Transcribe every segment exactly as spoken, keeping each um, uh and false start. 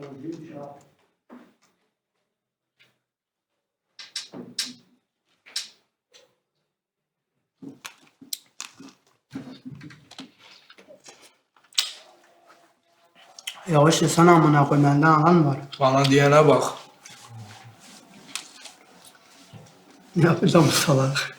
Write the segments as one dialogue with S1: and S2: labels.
S1: Yavaş yesene amına koyayım, benden alan var.
S2: Bana diyene bak.
S1: Ne yapacağım bu salak?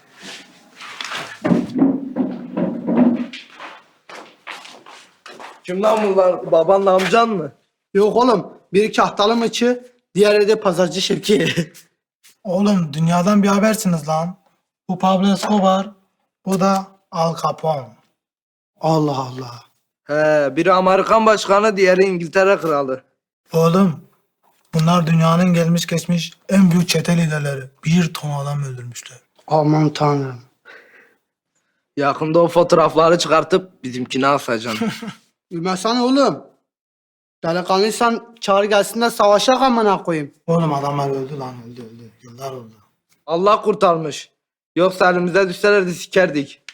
S2: Kim lan bunlar? Babanla amcan mı?
S1: Yok oğlum, biri kahtalı mıçı, diğeri de pazarcı Şevki.
S3: Oğlum dünyadan bir habersiniz lan. Bu Pablo Escobar, bu da Al Capone.
S1: Allah Allah.
S2: He, biri Amerikan başkanı, diğeri İngiltere kralı.
S3: Oğlum bunlar dünyanın gelmiş geçmiş en büyük çete liderleri. Bir ton adam öldürmüşler.
S1: Aman tanrım.
S2: Yakında o fotoğrafları çıkartıp bizimkine asacaksın.
S1: Bilmesene oğlum. Delikanlıysan çağır gelsin de savaşak amına koyayım.
S3: Oğlum adamlar öldü lan öldü öldü. Yıllar oldu.
S2: Allah kurtarmış. Yoksa elimize düşselerdi sikerdik.